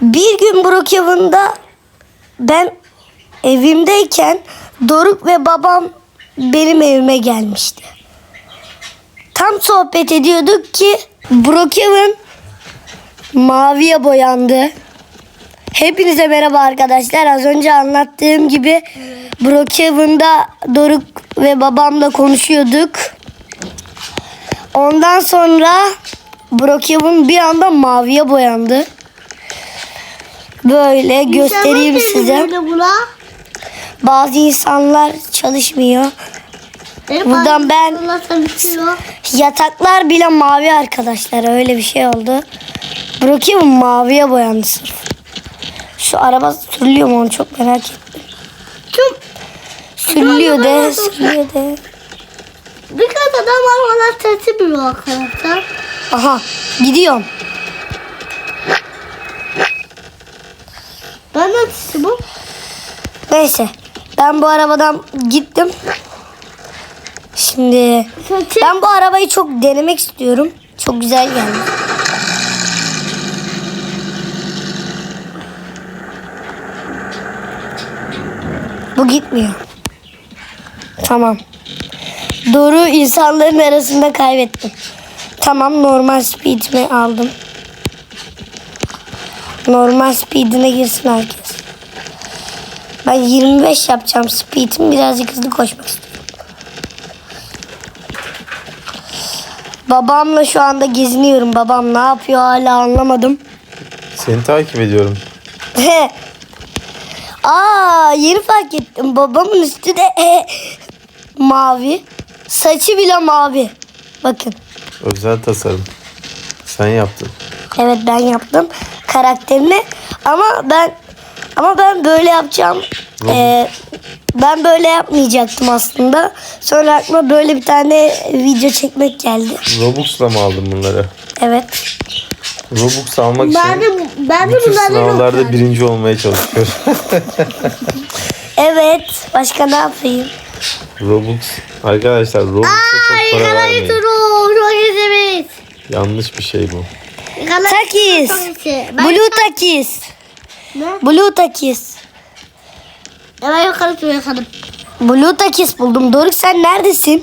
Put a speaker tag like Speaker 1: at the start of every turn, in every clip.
Speaker 1: Bir gün Brookhaven'da ben evimdeyken Doruk ve babam benim evime gelmişti. Tam sohbet ediyorduk ki Brookhaven maviye boyandı. Hepinize merhaba arkadaşlar. Az önce anlattığım gibi Brookhaven'da Doruk ve babamla konuşuyorduk. Ondan sonra Brookhaven bir anda maviye boyandı. Böyle göstereyim size. Bazı insanlar çalışmıyor. Buradan ben yataklar bile mavi arkadaşlar. Öyle bir şey oldu. Brookhaven maviye boyandı sırf. Şu araba sürülüyor mu onu çok merak ettim. Sürülüyor de.
Speaker 2: Birkaç adam var bana sesi bir arkadaşlar.
Speaker 1: Aha gidiyorum.
Speaker 2: Ben de sesi bu.
Speaker 1: Neyse ben bu arabadan gittim. Şimdi ben bu arabayı çok denemek istiyorum. Çok güzel geldi. Bu gitmiyor. Tamam. Doğru insanların arasında kaybettim. Tamam normal speed'imi aldım. Normal speed'ine girsin herkes. Ben 25 yapacağım speed'im. Birazcık hızlı koşmak istiyorum. Babamla şu anda geziniyorum. Babam ne yapıyor hala anlamadım.
Speaker 3: Seni takip ediyorum.
Speaker 1: Aa yeni fark ettim. Babamın üstü de mavi. Saçı bile mavi. Bakın.
Speaker 3: Özel tasarım. Sen yaptın.
Speaker 1: Evet ben yaptım karakterini. Ama ben böyle yapacağım. Ben böyle yapmayacaktım aslında. Sonra aklıma böyle bir tane video çekmek geldi.
Speaker 3: Robux'la mı aldın bunları?
Speaker 1: Evet.
Speaker 3: Robux almak için
Speaker 2: Ben de
Speaker 3: bütün
Speaker 2: bunlardan
Speaker 3: sınavlarda
Speaker 2: okuyorum.
Speaker 3: birinci olmaya çalışıyorum.
Speaker 1: Evet. Başka ne yapayım?
Speaker 3: Robux. Arkadaşlar Robux'a çok para vermeyin.
Speaker 2: Çok
Speaker 3: Yanlış bir şey bu.
Speaker 1: Takis. Blue takis.
Speaker 2: Ne?
Speaker 1: Blue takis.
Speaker 2: Ben yukarı yakaladım.
Speaker 1: Blue takis buldum. Doruk sen neredesin?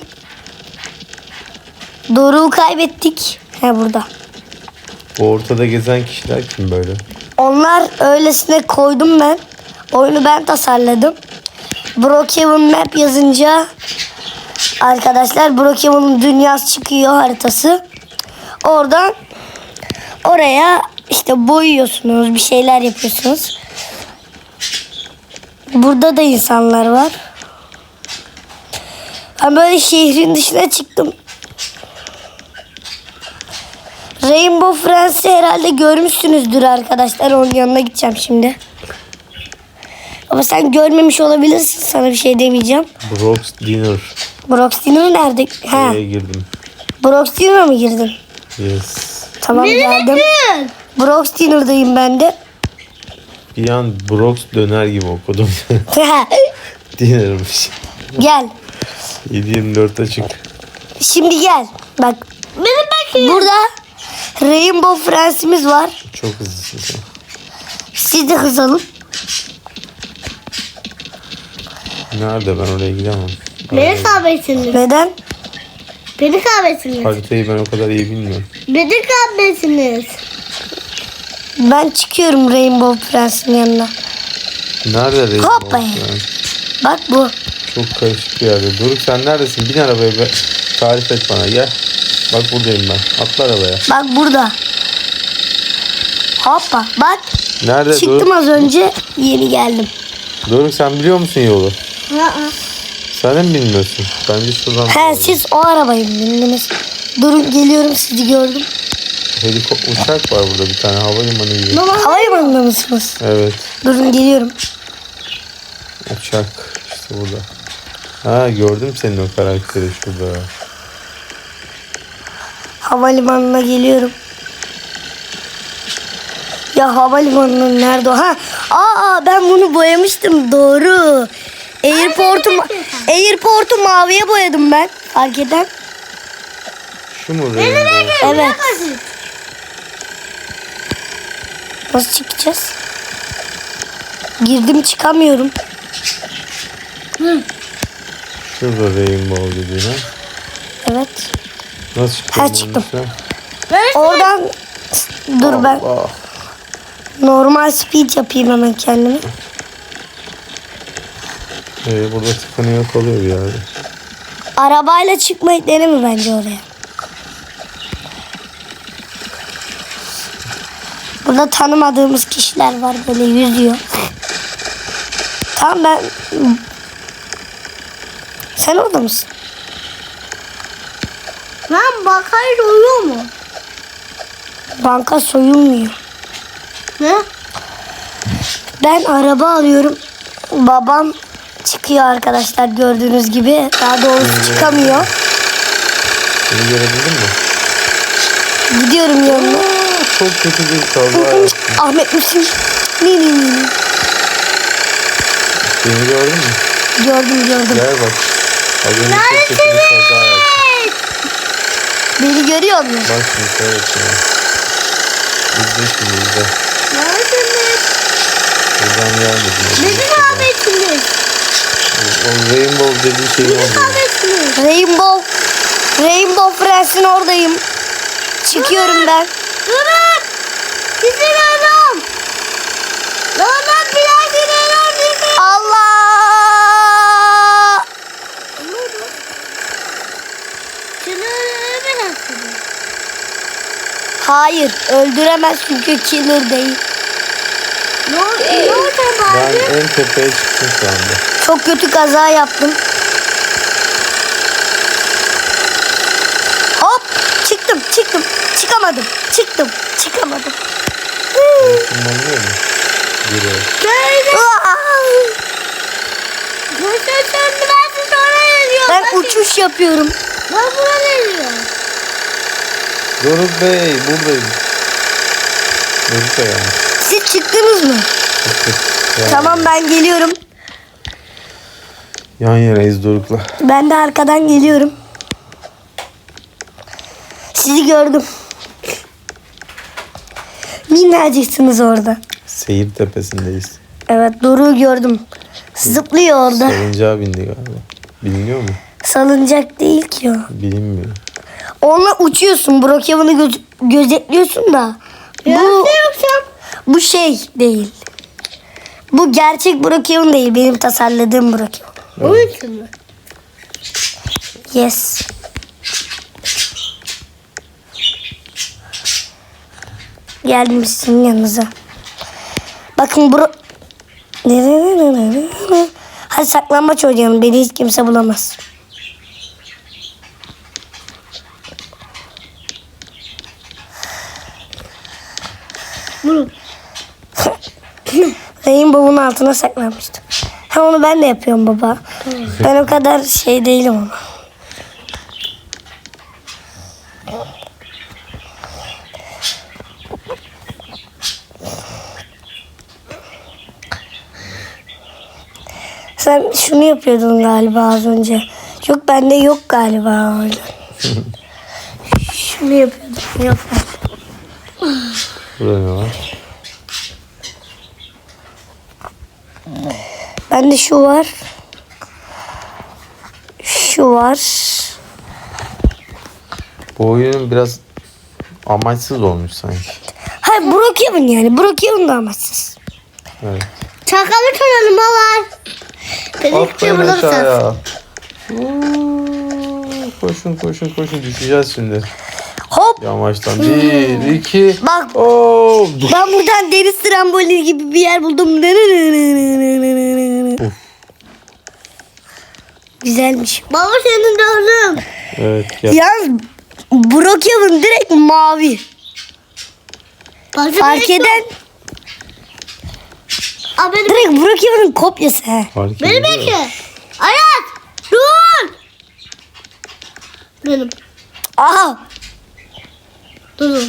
Speaker 1: Doruk'u kaybettik. He burada.
Speaker 3: Bu ortada gezen kişiler kim böyle?
Speaker 1: Onlar öylesine koydum ben. Oyunu ben tasarladım. Brookhaven Map yazınca arkadaşlar Brookhaven'ın dünyası çıkıyor haritası. Oradan oraya işte boyuyorsunuz, bir şeyler yapıyorsunuz. Burada da insanlar var. Ben böyle şehrin dışına çıktım. Rainbow Friends'i herhalde görmüşsünüzdür arkadaşlar. Onun yanına gideceğim şimdi. Ama sen görmemiş olabilirsin. Sana bir şey demeyeceğim.
Speaker 3: Brox Dinner.
Speaker 1: Brox Dinner nerede? Ha.
Speaker 3: Oraya girdim.
Speaker 1: Brox Dinner'a mı girdin?
Speaker 3: Yes.
Speaker 1: Tamam geldim. Brox Dinner'dayım ben de.
Speaker 3: Bir an Brox döner gibi okudum. Dinner'mış.
Speaker 1: Gel.
Speaker 3: 7/24 açık.
Speaker 1: Şimdi gel. Bak. Burada Rainbow Friends'imiz var.
Speaker 3: Çok hızlısın sen.
Speaker 1: Siz de hız alın.
Speaker 3: Nerede, ben oraya gidemem.
Speaker 2: Beni kahvesiniz.
Speaker 1: Neden?
Speaker 2: Beni kahvesiniz.
Speaker 3: Haritayı ben o kadar iyi bilmiyorum.
Speaker 2: Beni kahvesiniz.
Speaker 1: Ben çıkıyorum Rainbow Friends'in yanına.
Speaker 3: Nerede Rainbow
Speaker 1: Hoppa.
Speaker 3: Friends?
Speaker 1: Bak bu.
Speaker 3: Çok karışık bir yerde. Doruk sen neredesin? Bin arabaya be. Tarif et bana, gel. Bak buradayım ben. Atla arabaya.
Speaker 1: Bak burada. Hoppa. Bak.
Speaker 3: Nerede
Speaker 1: Çıktım
Speaker 3: Doruk?
Speaker 1: az önce. Yeni geldim.
Speaker 3: Doruk sen biliyor musun yolu?
Speaker 2: Ha.
Speaker 3: Sen de mi bilmiyorsun? Bence şuradan.
Speaker 1: He siz o arabayı bindiniz. Durun geliyorum sizi gördüm.
Speaker 3: Uçak var burada bir tane, havalimanı gibi.
Speaker 1: Havalimanında mısınız?
Speaker 3: Evet.
Speaker 1: Durun geliyorum.
Speaker 3: Uçak işte burada. Ha, gördüm senin o karakteri şurada.
Speaker 1: Havalimanına geliyorum. Ya havalimanının nerede o? Ha. Aa ben bunu boyamıştım doğru. Airport'u maviye boyadım ben. Fark eden.
Speaker 3: Şu mu Rainbow?
Speaker 1: Evet. Nasıl çıkacağız? Girdim çıkamıyorum.
Speaker 3: Şurada rainbow dediğine.
Speaker 1: Evet.
Speaker 3: Nasıl çıktın?
Speaker 1: Ha, çıktım.
Speaker 2: Neresi?
Speaker 1: Oradan dur ben
Speaker 3: Allah.
Speaker 1: normal speed yapayım hemen kendime.
Speaker 3: Burada tıkanıyor kalıyor bir yerde.
Speaker 1: Arabayla çıkmayı deneme bence oraya. Burada tanımadığımız kişiler var böyle yüzüyor. Tamam ben... Sen orada mısın?
Speaker 2: Lan bakayım oluyor mu?
Speaker 1: Banka soyulmuyor.
Speaker 2: Ne?
Speaker 1: Ben araba alıyorum. Babam çıkıyor arkadaşlar gördüğünüz gibi. Daha doğrusu çıkamıyor.
Speaker 3: Seni görebildin mi?
Speaker 1: Gidiyorum yanına.
Speaker 3: Çok kötü bir kaza yaptın.
Speaker 1: Ahmet misin? Ne.
Speaker 3: Beni gördün mü?
Speaker 1: Gördüm.
Speaker 3: Gel bak. Az önce çok kötü bir kaza yaptın.
Speaker 1: Beni görüyor musun?
Speaker 3: Bak şimdi seyret ya. İzle şimdi izle.
Speaker 2: Neredesiniz?
Speaker 3: Buradan gelmedim.
Speaker 2: Beni kahvetsiniz.
Speaker 3: O rainbow dediği şeyin
Speaker 2: Beni
Speaker 3: orada.
Speaker 2: kahvetsiniz.
Speaker 1: Rainbow Friends'in oradayım. Çıkıyorum ben.
Speaker 2: Durun. Sizi görüyorum. Lan biraz ilerler bizi.
Speaker 1: Allah!
Speaker 2: Şunu öldüremezsiniz.
Speaker 1: Hayır öldüremez çünkü killer değil.
Speaker 2: Ne oldu
Speaker 3: Ben
Speaker 2: bari?
Speaker 3: en tepeye çıktım şu anda.
Speaker 1: Çok kötü kaza yaptım. Hop çıktım. Çıkamadım. Çıkamadım.
Speaker 3: Tırmanıyor mu? Biri.
Speaker 1: Ben uçuş yapıyorum.
Speaker 2: Ben buna geliyorum.
Speaker 3: Doruk Bey buradayım. Doruk Bey yani.
Speaker 1: Siz çıktınız mı?
Speaker 3: Yani
Speaker 1: Tamam ben geliyorum.
Speaker 3: yan yanayız Doruk'la.
Speaker 1: Ben de arkadan geliyorum. Sizi gördüm. Minnacıksınız orada.
Speaker 3: Seyir tepesindeyiz.
Speaker 1: Evet Doruk'u gördüm. Zıplıyor orada.
Speaker 3: Salıncağa bindi galiba. Biliniyor mu?
Speaker 1: Salıncak değil ki o.
Speaker 3: Bilinmiyor.
Speaker 1: Onunla uçuyorsun. Brookhaven'ı gözetliyorsun da. Bu şey değil. Bu gerçek Brookhaven değil. Benim tasarladığım Brookhaven.
Speaker 2: Onun için mi?
Speaker 1: Yes. Geldim sizin yanınıza. Bakın hadi saklambaç oynayalım. Beni hiç kimse bulamaz. Rainbow'un altına saklanmıştım. Ha onu ben de yapıyorum baba. Ben o kadar şey değilim ama. Sen şunu yapıyordun galiba az önce. Yok bende yok galiba öyle. Şunu yapıyordum. Yok.
Speaker 3: Burada ne var?
Speaker 1: Bende şu var. Şu var.
Speaker 3: Bu oyun biraz amaçsız olmuş sanki.
Speaker 1: Hayır Brookhaven yani. Brookhaven da amaçsız.
Speaker 3: Evet.
Speaker 2: Çakalı çalalım baba. Beni
Speaker 3: Atlayın
Speaker 2: bulursan.
Speaker 3: aşağıya. Koşun düşeceğiz şimdi.
Speaker 1: Hop.
Speaker 3: Yamaçtan. 1, 2.
Speaker 1: Bak
Speaker 3: Oo.
Speaker 1: ben buradan deniz trambolini gibi bir yer buldum.
Speaker 3: Uf.
Speaker 1: Güzelmiş.
Speaker 2: Baba seni gördüm.
Speaker 3: Evet. Gel.
Speaker 1: Yalnız Brookhaven direkt mavi. Fark eden
Speaker 2: Abi beni
Speaker 1: direkt Brookhaven'ın kopyası. He.
Speaker 3: Fark
Speaker 2: Beni
Speaker 3: ediyor.
Speaker 2: bekle. Hayat. Dur. Benim.
Speaker 1: Aha.
Speaker 2: Durun.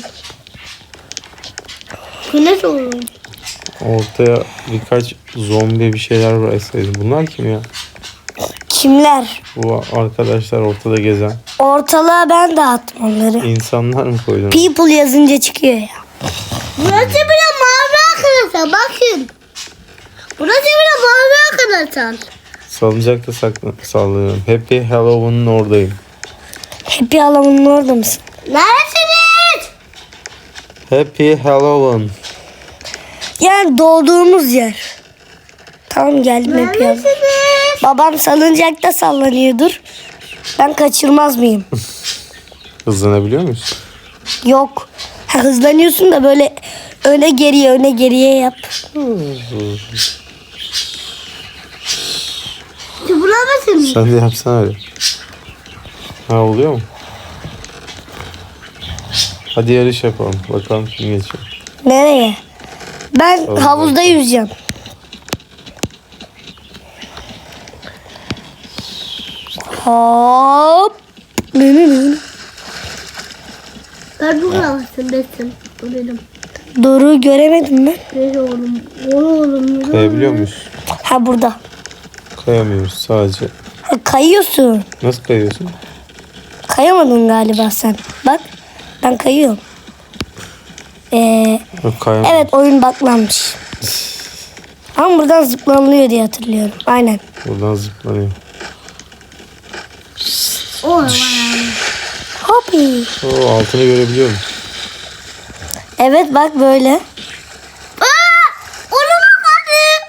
Speaker 2: Güneş olur.
Speaker 3: Ortaya birkaç zombi bir şeyler bıraksaydı. Bunlar kim ya?
Speaker 1: Kimler?
Speaker 3: Bu arkadaşlar ortada gezen.
Speaker 1: Ortalığa ben dağıttım onları.
Speaker 3: İnsanlar mı koydun?
Speaker 1: People yazınca çıkıyor ya.
Speaker 2: Burası bile mavi bakın. Burası bile bağırıyor arkadaşlar.
Speaker 3: Salıncakta sallıyorum. Happy Halloween'ın oradayım.
Speaker 1: Happy Halloween'ın orada mısın?
Speaker 2: Neredesiniz?
Speaker 3: Happy Halloween.
Speaker 1: Yani doğduğumuz yer. Tamam geldim Happy Halloween.
Speaker 2: Neredesiniz?
Speaker 1: Babam salıncakta sallanıyordur. Ben kaçırmaz mıyım?
Speaker 3: Hızlanabiliyor muyuz?
Speaker 1: Yok. Ha, hızlanıyorsun da böyle öne geriye yap.
Speaker 2: Bulamadınız.
Speaker 3: Sen de yapsana öyle. Ha, oluyor mu? Hadi yarış yapalım. Bakalım kim geçiyor.
Speaker 1: Nereye? Ben
Speaker 3: Salıncakta.
Speaker 1: havuzda yüzeceğim. Hop.
Speaker 2: Ben bulamazsın desin. Bu dedim.
Speaker 1: Doğru göremedim mi?
Speaker 2: Ne oğlum? Oğlum.
Speaker 3: Kayabiliyor muyuz?
Speaker 1: Ha burada.
Speaker 3: Kayamıyoruz sadece.
Speaker 1: Ha, kayıyorsun.
Speaker 3: Nasıl kayıyorsun?
Speaker 1: Kayamadın galiba sen. Bak ben kayıyorum.
Speaker 3: Yok, kayamıyoruz.
Speaker 1: Evet oyun baklanmış. Ama buradan zıplanılıyor diye hatırlıyorum. Aynen.
Speaker 3: Buradan zıplanıyor.
Speaker 2: Oğlum.
Speaker 1: Hopi.
Speaker 3: Oo, altını görebiliyor musun?
Speaker 1: Evet bak böyle.
Speaker 2: Ona bakalım.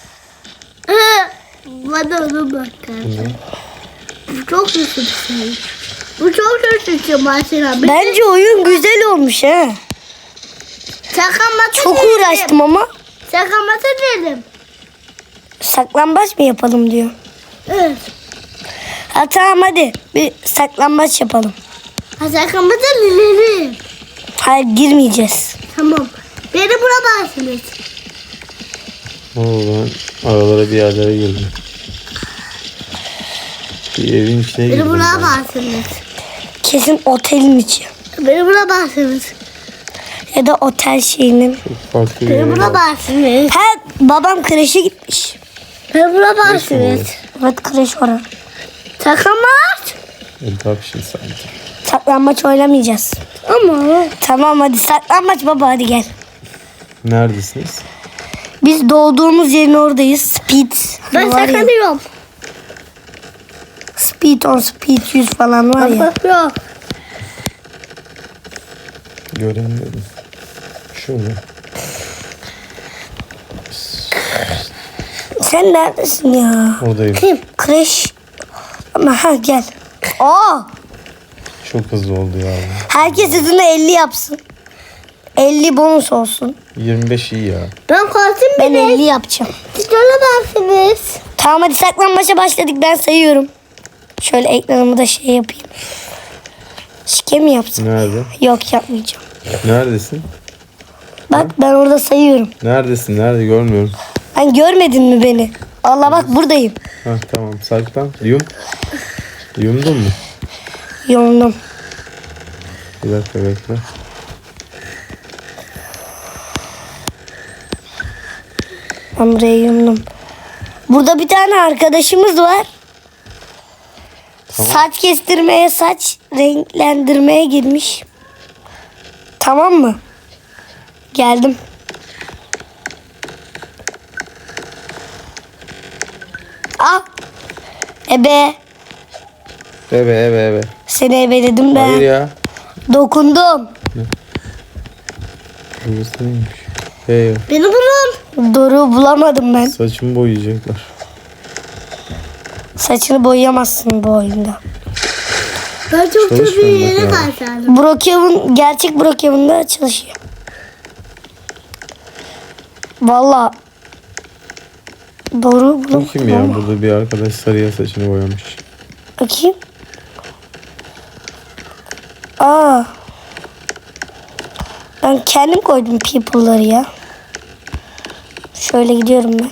Speaker 2: Bana ona bakalım. Bu çok kötü bir şey. Bu çok kötü bir şey mesela.
Speaker 1: Bence oyun güzel olmuş ha.
Speaker 2: Saklanması
Speaker 1: Çok
Speaker 2: dedim.
Speaker 1: uğraştım ama
Speaker 2: Saklanması dedim.
Speaker 1: saklambaç mı yapalım diyor.
Speaker 2: Evet.
Speaker 1: Ha tamam hadi bir saklambaç yapalım.
Speaker 2: Ha saklanması dedim.
Speaker 1: Hayır girmeyeceğiz.
Speaker 2: Tamam. Beni bulamazsınız.
Speaker 3: Oo, ben aralara bir yerlere girdim. Bir evin içine
Speaker 2: Beni
Speaker 3: girdim. ben.
Speaker 2: bulamazsınız.
Speaker 1: Kesin otelin içi.
Speaker 2: Beni bulamazsınız.
Speaker 1: Ya da otel şeyinin.
Speaker 3: Çok farklı bir
Speaker 2: Beni
Speaker 3: yer var.
Speaker 2: bulamazsınız.
Speaker 1: Ha babam kreşe gitmiş.
Speaker 2: Beni bulamazsınız.
Speaker 1: Evet kreş orada.
Speaker 2: Saklanmaz.
Speaker 3: Adoption Center.
Speaker 1: Saklambaç oynamayacağız.
Speaker 2: Ama.
Speaker 1: Tamam hadi saklambaç baba hadi gel.
Speaker 3: Neredesiniz?
Speaker 1: Biz doğduğumuz yerin oradayız. Speed.
Speaker 2: Ben
Speaker 1: var ya.
Speaker 2: saklanıyorum.
Speaker 1: Speed 10, Speed 100 falan var ya.
Speaker 2: Bak yok.
Speaker 3: Göremiyorum. Şurada.
Speaker 1: Sen neredesin ya?
Speaker 3: Oradayım.
Speaker 1: Kim? Kreş. Ama ha gel. Aa,
Speaker 3: Çok hızlı oldu ya.
Speaker 1: herkes hızını 50 yapsın. 50 bonus olsun.
Speaker 3: 25 iyi ya.
Speaker 2: Ben kaçtım
Speaker 1: Ben
Speaker 2: bile.
Speaker 1: 50 yapacağım.
Speaker 2: Siz olamazsınız.
Speaker 1: Tamam hadi saklambaça başladık ben sayıyorum. Şöyle ekranımı da şey yapayım. Şike mi yapsın?
Speaker 3: Nerede?
Speaker 1: Yok yapmayacağım.
Speaker 3: Neredesin?
Speaker 1: Bak ben orada sayıyorum.
Speaker 3: Neredesin? Nerede? Görmüyorum.
Speaker 1: Sen görmedin mi beni? Allah bak buradayım.
Speaker 3: Ha tamam. Saklan. Yum. Yumdun mu?
Speaker 1: Yolundum.
Speaker 3: Bir dakika bekle.
Speaker 1: Ben buraya yumdum. Burada bir tane arkadaşımız var.
Speaker 3: Tamam.
Speaker 1: Saç kestirmeye, saç renklendirmeye girmiş. Tamam mı? Geldim. Ah. Ebe.
Speaker 3: Ebe.
Speaker 1: Seni ebeledim ben.
Speaker 3: Hayır ya.
Speaker 1: Dokundum.
Speaker 3: Burası neymiş? Hey,
Speaker 2: Beni bulun.
Speaker 1: Doğru bulamadım ben.
Speaker 3: saçımı boyayacaklar.
Speaker 1: Saçını boyayamazsın bu oyunda.
Speaker 2: Ben çok kötü bir
Speaker 3: Çalışmıyorum
Speaker 2: yere
Speaker 3: bak ya.
Speaker 2: kaçardım.
Speaker 1: Brookhaven, gerçek Brookhaven'da çalışıyor. Valla. Doğru
Speaker 3: Bu
Speaker 1: bulamadım
Speaker 3: kim ya?
Speaker 1: ama.
Speaker 3: Burada bir arkadaş sarıya saçını boyamış.
Speaker 1: Bakayım. Aa. Ben kendim koydum people'ları ya. Şöyle gidiyorum ben.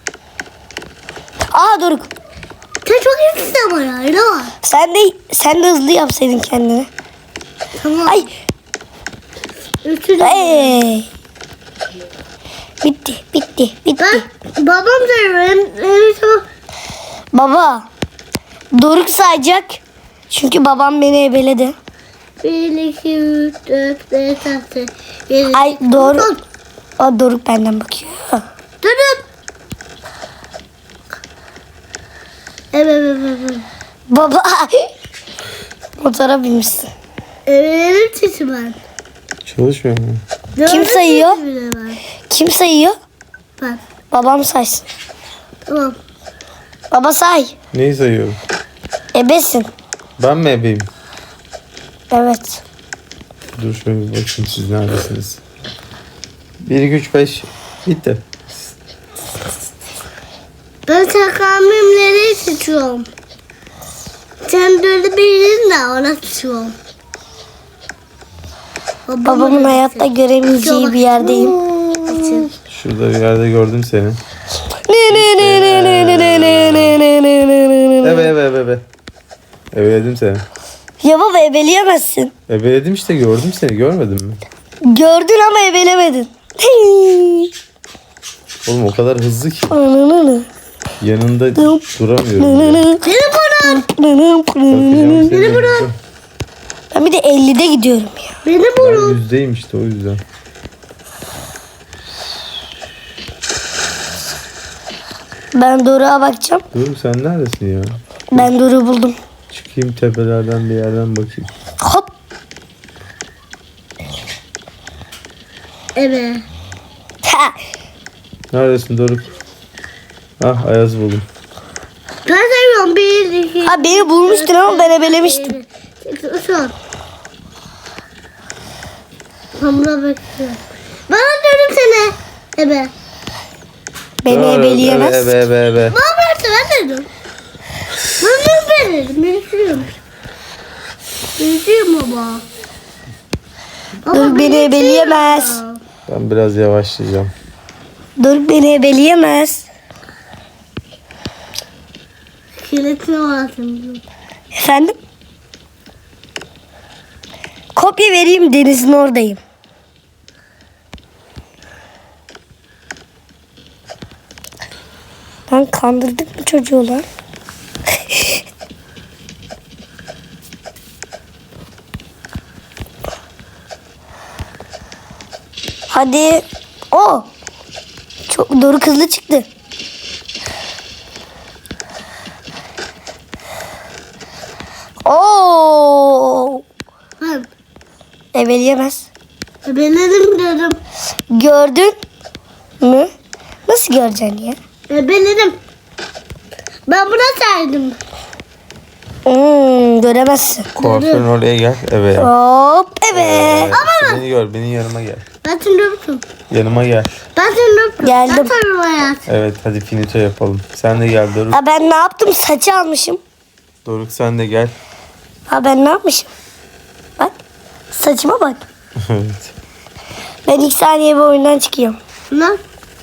Speaker 1: Aa Doruk.
Speaker 2: Sen çok iyisin ama ya. Ne var?
Speaker 1: Sen de hızlı yapsaydın kendini.
Speaker 2: Tamam.
Speaker 1: Ay.
Speaker 2: Üçü de.
Speaker 1: Hey. Bitti.
Speaker 2: Ben babam da benim çok.
Speaker 1: Baba. Doruk sayacak. Çünkü babam beni ebeledi.
Speaker 2: 1, 2, 3, 4, 5, 6, 7.
Speaker 1: Ay doğru. Aa, Doruk benden bakıyor.
Speaker 2: Durun. Evet.
Speaker 1: Baba. Motora binmişsin.
Speaker 2: Evet sesi ben.
Speaker 3: Çalışmıyor mu?
Speaker 1: Kim sayıyor?
Speaker 2: Ben.
Speaker 1: Kim sayıyor?
Speaker 2: Ben.
Speaker 1: Babam saysın.
Speaker 2: Tamam.
Speaker 1: Baba say.
Speaker 3: Neyi sayıyorum?
Speaker 1: Ebesin.
Speaker 3: Ben mi ebeyim?
Speaker 1: Evet.
Speaker 3: Dur şöyle bir bakayım siz neredesiniz? 1, 2, 3, 5. Bitti.
Speaker 2: Ben sakalmimleri seçiyorum. Sen böyle birini de ona seçiyorum.
Speaker 1: Babamın hayatta göremeyeceği bir yerdeyim.
Speaker 3: Şurada bir yerde gördüm seni. Ebe. Ebeledim seni.
Speaker 1: Ya baba ebeleyemezsin.
Speaker 3: Ebeledim işte gördüm seni görmedin mi?
Speaker 1: Gördün ama ebelemedin.
Speaker 3: Oğlum o kadar hızlı ki yanında duramıyorum. Beni
Speaker 2: vurun.
Speaker 1: Ben bir de 50'de gidiyorum ya.
Speaker 2: Beni
Speaker 3: Ben
Speaker 2: vurun.
Speaker 3: yüzdeyim işte o yüzden.
Speaker 1: Ben Doruk'a bakacağım.
Speaker 3: Dur sen neredesin ya?
Speaker 1: Ben Doruk'u buldum.
Speaker 3: Çıkayım tepelerden bir yerden bakayım.
Speaker 1: Hop.
Speaker 2: Evet.
Speaker 1: Ha.
Speaker 3: Neredesin Doruk? Ah Ayaz buldum.
Speaker 2: Ben seviyorum. 1, 2,
Speaker 1: Ha, beni bulmuştun ama ben ebelemiştim.
Speaker 2: Son. Hamura bekliyorum. Bana dönüm seni. Ebe.
Speaker 1: Beni ebeleyemez.
Speaker 3: Ebe.
Speaker 2: Bana bıraktı ben dedim. Ben dedim. Büyütüyorum. Büyütüyorum baba.
Speaker 1: Doruk beni ebeleyemez.
Speaker 3: Ben biraz yavaşlayacağım.
Speaker 1: Doruk beni ebeleyemez.
Speaker 2: Kiletini oynatayım.
Speaker 1: Efendim? Kopya vereyim, denizin oradayım. Lan kandırdık mı çocuğu lan? Hadi. O. Çok doğru, hızlı çıktı. Oo.
Speaker 2: Ben
Speaker 1: Ebeleyemez.
Speaker 2: ebeledim dedim.
Speaker 1: Gördün mü? Nasıl göreceksin ya?
Speaker 2: Ebeledim. Ben buna saydım.
Speaker 1: Göremezsin.
Speaker 3: Kuaförün oraya gel. Ebe yap.
Speaker 1: Hop evet.
Speaker 3: İşte beni gör. Benim yanıma gel.
Speaker 2: Ben seni öptüm.
Speaker 3: Yanıma gel.
Speaker 2: Ben seni öptüm.
Speaker 1: Geldim.
Speaker 2: Ben sana hayat.
Speaker 3: Evet hadi finito yapalım. Sen de gel Doruk.
Speaker 1: Ha, ben ne yaptım? Saçı almışım.
Speaker 3: Doruk sen de gel.
Speaker 1: Ha, ben ne yapmışım? Bak. Saçıma bak.
Speaker 3: Evet.
Speaker 1: Ben 2 saniye bir oyundan çıkıyorum.
Speaker 2: Lan.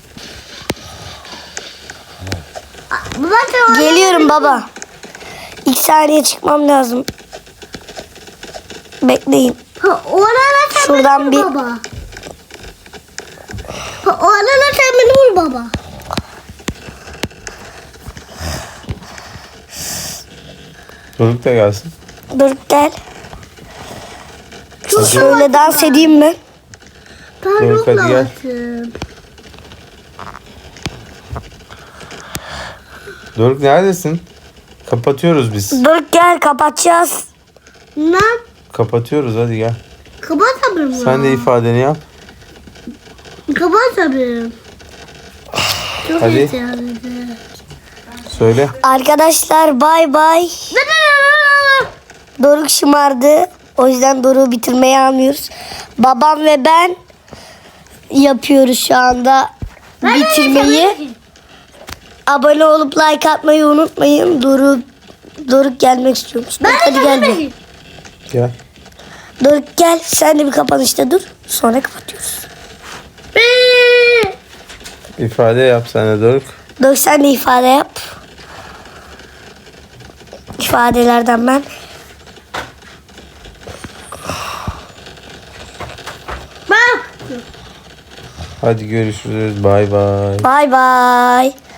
Speaker 2: Baba sen
Speaker 1: Geliyorum baba. 2 saniye çıkmam lazım. Bekleyin.
Speaker 2: Orada sen
Speaker 1: Şuradan
Speaker 2: beni vur
Speaker 1: bir-
Speaker 2: baba. Orada sen beni vur baba.
Speaker 3: Doruk da gelsin.
Speaker 1: Dur gel.
Speaker 2: Çok
Speaker 1: Şöyle dans edeyim mi?
Speaker 2: Ben
Speaker 3: Doruk, hadi gel.
Speaker 2: yoklaştım.
Speaker 3: Doruk neredesin? Kapatıyoruz biz.
Speaker 1: Dur gel, kapatacağız.
Speaker 2: Lan.
Speaker 3: Kapatıyoruz hadi gel.
Speaker 2: Kapat abim ya.
Speaker 3: Sen de ifadeni yap.
Speaker 2: Kapat abim. Çok
Speaker 3: Hadi.
Speaker 2: ihtiyacım.
Speaker 3: Söyle.
Speaker 1: Arkadaşlar bay bay. Doruk şımardı. O yüzden Doruk'u bitirmeye almıyoruz. Babam ve ben yapıyoruz şu anda bitirmeyi. Abone olup like atmayı unutmayın. Doruk gelmek istiyormuş. Doruk, hadi gel bir.
Speaker 3: Gel.
Speaker 1: Doruk gel. Sen de bir kapanışta dur. Sonra kapatıyoruz.
Speaker 3: İfade yap sen de Doruk.
Speaker 1: Doruk sen de ifade yap. İfadelerden ben.
Speaker 2: Bak.
Speaker 3: Hadi görüşürüz. Bay bay.
Speaker 1: Bay bay.